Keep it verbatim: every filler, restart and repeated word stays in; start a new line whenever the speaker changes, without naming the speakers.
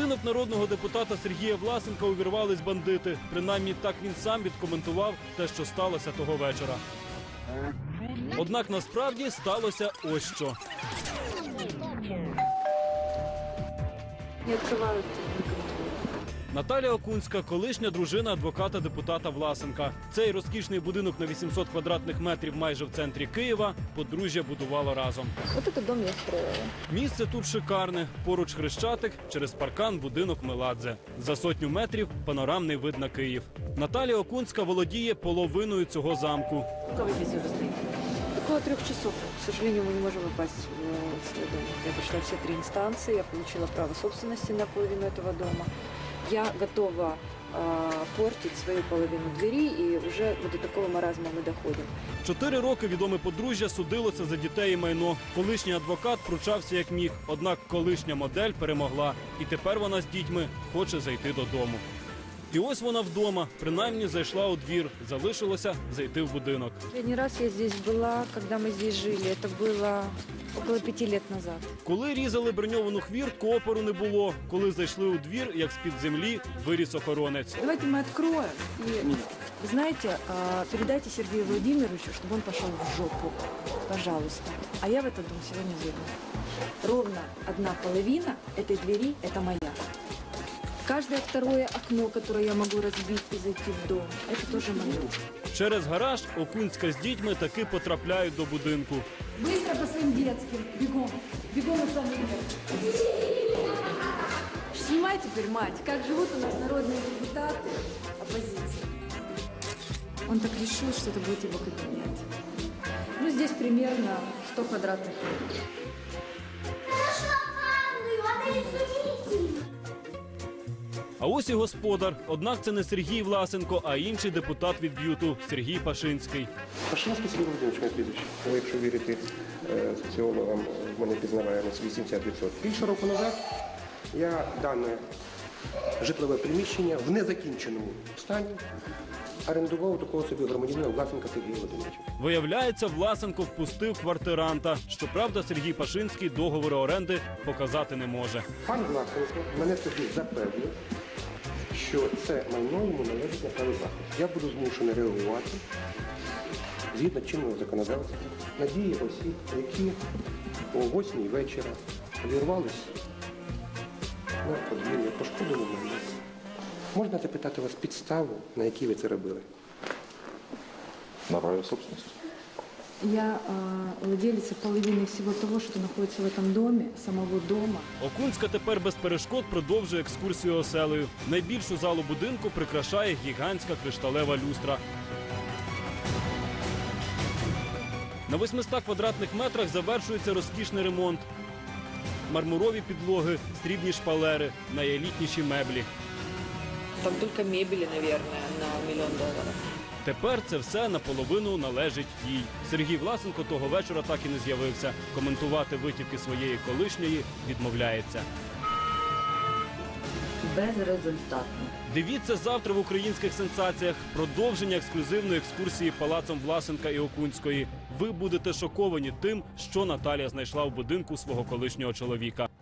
будинок народного депутата Сергія Власенка увірвались бандити. Принаймні так він сам відкоментував те, що сталося того вечора. Однак насправді сталося ось що.
Не відкривають.
Наталія Окунська – колишня дружина адвоката-депутата Власенка. Цей розкішний будинок на вісімсот квадратних метрів майже в центрі Києва подружжя будувало разом.
Ось цей дом я строїла.
Місце тут шикарне. Поруч Хрещатик, через паркан будинок Меладзе. За сотню метрів панорамний вид на Київ. Наталія Окунська володіє половиною цього замку.
Сколько вы здесь уже стоите? Около трех часов. К сожалению, мы не можем попасть в свой дом. Я прошла все три инстанции, я получила право собственности на половину этого дома. Я готова э, портить свою половину двери, и уже вот до такого маразма мы доходим.
Чотири роки відоме подружжя судилося за дітей і майно. Колишній адвокат пручався як міг, однак колишня модель перемогла. І тепер вона з дітьми хоче зайти додому. І ось вона вдома, принаймні зайшла у двір, залишилося зайти в будинок.
Последний раз я здесь была, когда мы здесь жили. Это было около пяти лет назад.
Коли різали броньовану хвіртку, опору не було. Коли зайшли у двір, як з-під землі, виріс охоронець.
Давайте мы откроем. И, вы знаете, передайте Сергею Владимировичу, чтобы он пошел в жопу. Пожалуйста. А я в этот дом сегодня зайду. Ровно одна половина этой двери – это моя. Каждое второе окно, которое я могу разбить и зайти в дом, это тоже мое.
Через гараж Окунська з дітьми таки потрапляють до будинку.
Быстро по своим детским. Бегом. Бегом из самого. Снимай теперь, мать, как живут у нас народные депутаты оппозиции. Он так решил, что это будет его кабинет. Ну, здесь примерно сто квадратных метров.
А ось і господар. Однак це не Сергій Власенко, а інший депутат від Б'юту – Сергій Пашинський.
Пашинський Сергій Володимирович, моє прізвище. Але якщо вірити е, соціологам, в мене пізнаваємося вісімдесят відсотків. Більше року назад я дане житлове приміщення в незакінченому стані орендував у такого собі громадянина Власенка Сергія Володимировича.
Виявляється, Власенко впустив квартиранта. Щоправда, Сергій Пашинський договори оренди показати не може.
Пан Власенко мене тоді запевнив, що це майно йому належить на праві власності. Я буду змушений реагувати згідно чинного законодавства на дії осіб, які о восьмій вечора увірвались на подвір'я, пошкодили мене. Можна запитати вас підставу, на якій ви це робили?
На праве собственности.
Я э, владелица половины всего того, что находится в этом доме, самого дома.
Окунська тепер без перешкод продовжує екскурсію оселею. Найбільшу залу будинку прикрашає гігантська кришталева люстра. На восьмистах квадратних метрах завершується розкішний ремонт. Мармурові підлоги, срібні шпалери, найелітніші меблі.
Там только мебели, наверное, на миллион долларов.
Тепер це все наполовину належить їй. Сергій Власенко того вечора так і не з'явився. Коментувати витівки своєї колишньої відмовляється.
Безрезультатно.
Дивіться завтра в українських сенсаціях. Продовження ексклюзивної екскурсії палацом Власенка і Окунської. Ви будете шоковані тим, що Наталія знайшла в будинку свого колишнього чоловіка.